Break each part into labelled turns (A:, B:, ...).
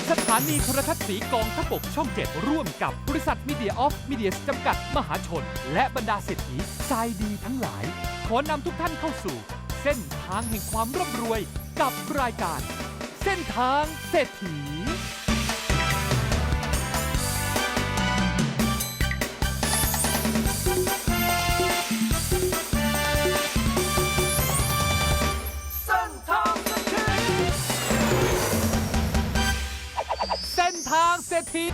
A: สถานีโทรทัศน์สีกองทัพบกช่อง 7 ร่วมกับบริษัทมีเดียออฟมีเดียจำกัดมหาชน และบรรดาเศรษฐีใจดีทั้งหลาย ขอนำทุกท่านเข้าสู่ เส้นทางแห่งความร่ำรวยกับรายการ เส้นทางเศรษฐีเส้นทางเศรษฐี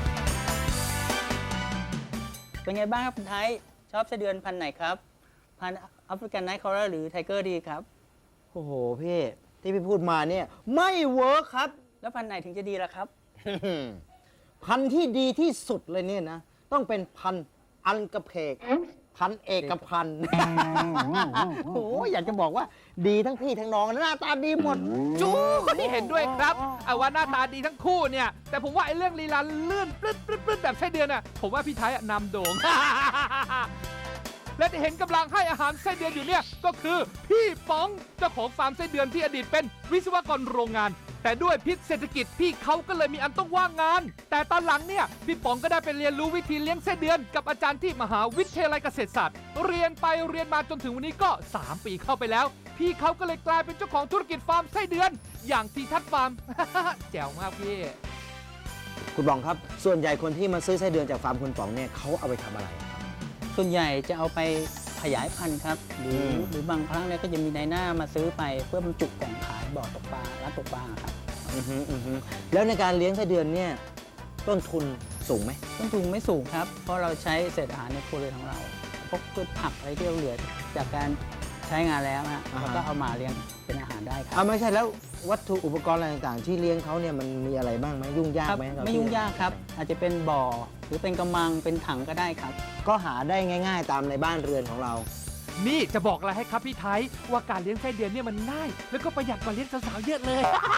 B: เป็นไงบ้างครับคุณไทยชอบไส้เดือนพันธุ์ไหนครับพันธุ์แอฟริกันไนท์คอรัลหรือไทเกอร์ดีครับ
C: โอ้โหพี่ที่พี่พูดมาเนี่ยไม่เวิร์คครับ
B: แล้วพันธุ์ไหนถึงจะดีล่ะครับ
C: พันธุ์ที่ดีที่สุดเลยเนี่ยนะต้องเป็นพันธุ์อันกระเพกพันธุ์เอกพันธุ์ โอ้โหอยากจะบอกว่าดีทั้งพี่ทั้งน้องหน้าตาดีหมด
A: จู้คนที่เห็นด้วยครับเอาว่าหน้าตาดีทั้งคู่เนี่ย แต่ผมว่าไอ้เรื่องลีลาเลื่อนปลื้ดแบบไส้เดือนน่ะผมว่าพี่ไทยนำโด่ง และที่เห็นกำลังให้อาหารไส้เดือนอยู่เนี่ยก็คือพี่ป๋องเจ้าของฟาร์มไส้เดือนที่อดีตเป็นวิศวกรโรงงาน แต่ด้วยพิษเศรษฐกิจพี่เขาก็เลยมีอันต้องว่างงาน แต่ตอนหลังเนี่ยพี่ป๋องก็ได้ไปเรียนรู้วิธีเลี้ยงไส้เดือนกับอาจารย์ที่มหาวิทยาลัยเกษตรศาสตร์เรียนไปเรียนมาจนถึงวันนี้ก็3 ปีเข้าไปแล้ว พี่เขาก็เลยกลายเป็นเจ้าของธุรกิจฟาร์มไส้เดือน อย่างทีทัศน์ฟาร์ม แจ๋วมากพี่
C: คุณป๋องครับส่วนใหญ่คนที่มาซื้อไส้เดือนจากฟาร์มคุณป๋องเนี่ยเขาเอาไปทำอะไร
B: ส่วนใหญ่จะเอาไปขยายพันธุ์ครับหรือบางครั้งเนี่ยก็จะมีนายหน้ามาซื้อไปเพื่อบรรจุกล่องขายบ่อตกปลาร้านตกปลาครับ
C: แล้วในการเลี้ยงไส้เดือนเนี่ยต้นทุนสูงไหม
B: ต้นทุนไม่สูงครับเพราะเราใช้เศษอาหารในครัวเรือนของเราพวกพืชผักอะไรที่เราเหลือจากการใช้งานแล้วฮะเราก็เอามาเลี้ยงเป็นอาหารได้ครับ
C: ไม่ใช่แล้ววัตถุอุปกรณ์อะไรต่างๆ ที่เลี้ยงเขาเนี่ยมันมีอะไรบ้างไหมยุ่งยาก
B: ครับ
C: ไหม
B: ไม่ยุ่งยากครับอาจจะเป็นบ่อหรือเป็นกำมังเป็นถังก็ได้ครับ
C: ก็หาได้ง่าย ๆ ตามในบ้านเรือนของเรา
A: นี่จะบอกอะไรให้ครับพี่ไทยว่าการเลี้ยงไส้เดือนเนี่ยมันง่าย แล้วก็ประหยัดกว่าเลี้ยงสาวๆเยอะเลย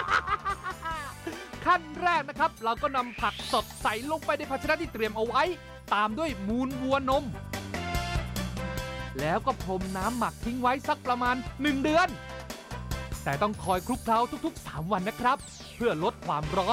A: ขั้นแรกนะครับ เราก็นำผักสดใส่ลงไปในภาชนะที่เตรียมเอาไว้ ตามด้วยมูลวัวนม แล้วก็พรมน้ำหมักทิ้งไว้สักประมาณ1 เดือน แต่ต้องคอยคลุกเคล้าทุกๆ3 วันนะครับ เพื่อลดความร้อน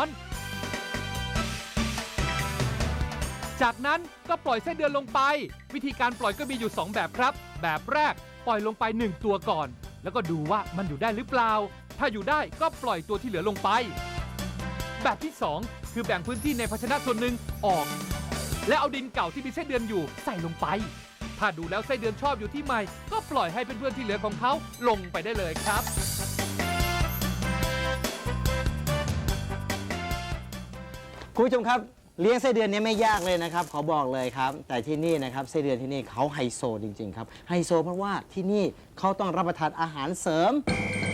A: จากนั้นก็ปล่อยไส้เดือนลงไป วิธีการปล่อยก็มีอยู่2 แบบครับ แบบแรกปล่อยลงไป1 ตัวก่อน แล้วก็ดูว่ามันอยู่ได้หรือเปล่า ถ้าอยู่ได้ก็ปล่อยตัวที่เหลือลงไป แบบที่2คือแบ่งพื้นที่ในภาชนะส่วนหนึ่งออก และเอาดินเก่าที่มีไส้เดือนอยู่ใส่ลงไป ถ้าดูแล้วไส้เดือนชอบอยู่ที่ใหม่ก็ปล่อยให้เพื่อนๆที่เหลือของเขาลงไปได้เลยครับ
C: คุณผู้ชมครับเลี้ยงไส้เดือนเนี่ยไม่ยากเลยนะครับขอบอกเลยครับแต่ที่นี่นะครับไส้เดือนที่นี่เขาไฮโซจริงๆครับไฮโซเพราะว่าที่นี่เขาต้องรับประทานอาหารเสริม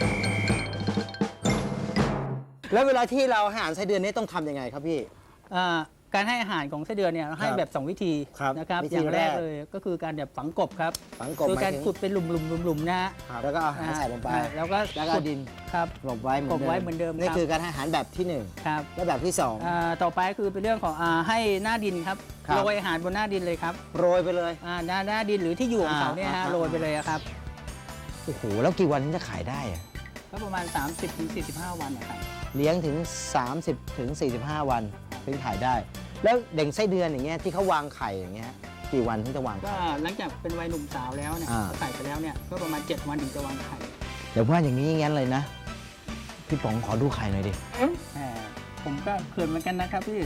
C: แล้วเวลาที่เราให้อาหารไส้เดือนนี่ต้องทำยังไงครับพี่
B: การให้อาหารของไส้เดือนเนี่ยเราให้แบบ2 วิธี
C: ครับ
B: นะครับ
C: วิธี
B: อย่างแรก
C: แรก
B: เลยก็คือการแบบฝังกบครับ
C: ฝังกบ
B: คือ
C: หมาย
B: การ
C: ถึง
B: ขุดเป็นหลุมๆๆๆนะฮะ
C: แล้วก็เอาอาหารใส่ลงไป
B: แล้วก็
C: แล้วก็เอาดิน
B: ครับ
C: กลบไว้เหมือน
B: กลบไว้เหมือนเดิม
C: นี่
B: ครับ
C: คือการให้อาหารแบบที่หนึ่ง
B: ครับ
C: และแบบที่สอง
B: ต่อไปคือเป็นเรื่องของให้หน้าดินครับ
C: ครับ
B: โรยอาหารบนหน้าดินเลยครับ
C: โรยไปเลย
B: หน้าดินหรือที่อยู่ของเขาเนี่ยฮะโรยไปเลยครับ
C: โอ้โหแล้วกี่วันถึงจะขายได้อะ
B: ก็ประมาณ 30-45 วันนะครับ
C: เลี้ยงถึง 30-45 วันถึงขายได้ แล้วเด็กไส้เดือนอย่างเงี้ยที่เขาวางไข่อย่างเงี้ยกี่วันถึงจะวาง
B: ก็
C: ไข่
B: หลังจากเป็นวัยหนุ่มสาวแล้วเนี่ย
C: อ่า
B: ไข่ไปแล้วเนี่ยก็ประมาณ7 วันถึงจะวางไข่
C: เดี๋ยวว่าอย่างนี้งั้นเลยนะ พี่ป๋องขอดูไข่หน่อยดิ
B: ผมก็เขินเหมือนกันนะครับพี่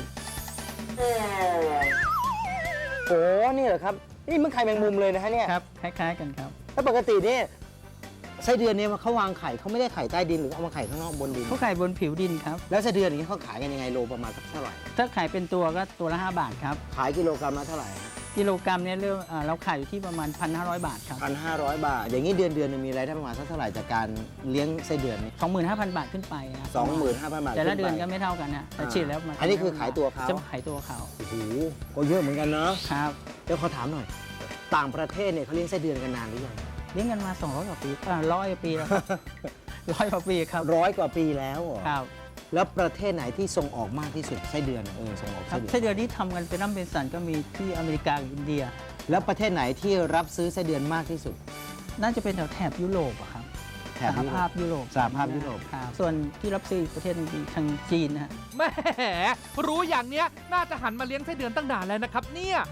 C: โอ้นี่เหรอครับนี่มันไข่แมงมุมเลยนะฮะเนี่ย
B: ครับคล้ายๆกันครับ
C: แล้วปกติเนี่ยไส้เดือนเนี่ยเขาวางไข่เขาไม่ได้ไข่ใต้ดินหรือเอามาไข่ข้างนอกบนดิน
B: เขาไข่บนผิวดินครับ
C: แล้วไส้เดือนอย่างนี้เขาขายกันยังไงโลประมาณสักเท่าไหร่
B: ถ้าไข่เป็นตัวก็ตัวละ5 บาทครับ
C: ขายกิโลกรัมละเท่าไหร่
B: กิโลกรัมเนี่ยเราขายอยู่ที่ประมาณ 1,500 บาทครับ
C: 1,500 บาท อย่างนี้เดือนนึงมีรายได้ประมาณสักเท่าไหร่จากการเลี้ยงไส้เดือนนี่
B: 25,000 บาทขึ้นไปนะ
C: 25,000 บาท
B: แต่ละเดือน
C: ขึ้
B: ก็
C: ไป
B: ไม่เท่ากันนะแต่ฉีดแล้วมัน
C: อันนี้คือขายตัวเขา
B: จะขายตัวเขา
C: โอ้โหก็เยอะเหมือนกันเนาะ
B: ครับ
C: เดี๋ยวขอถามหน่อย ต่างประเทศเนี่ยเขาเลี้ยงไส้เดือนกันนานหรือยัง
B: เลี้ยงกันมา200 กว่าปี100 กว่าปีแล้วครับ 100 กว่าปีครับ
C: 100 กว่าปีแล้วเหรอ
B: ครับ
C: แล้วประเทศไหนที่ส่งออกมากที่สุดไส้เดือนส่งออก
B: ครั
C: ไส้
B: บ
C: เดือน
B: ไส้เดือนที่ทำกันเป็นน้ำเป็นสันก็มีที่อเมริกากับอินเดีย
C: แล้วประเทศไหนที่รับซื้อไส้เดือนมากที่สุด
B: น่าจะเป็นแถวแถบยุโรปอะครับ
C: แถ
B: ส
C: บ
B: หภาพยุโรป
C: สหภาพยุโรป
B: ครับส่วนที่รับซื้ออีกประเทศหนึงคือทางจีนนะฮะ
A: แหมรู้อย่างเนี้ยน่าจะหันมาเลี้ยงไส้เดือนตั้งนานแล้วนะครับเนี่ย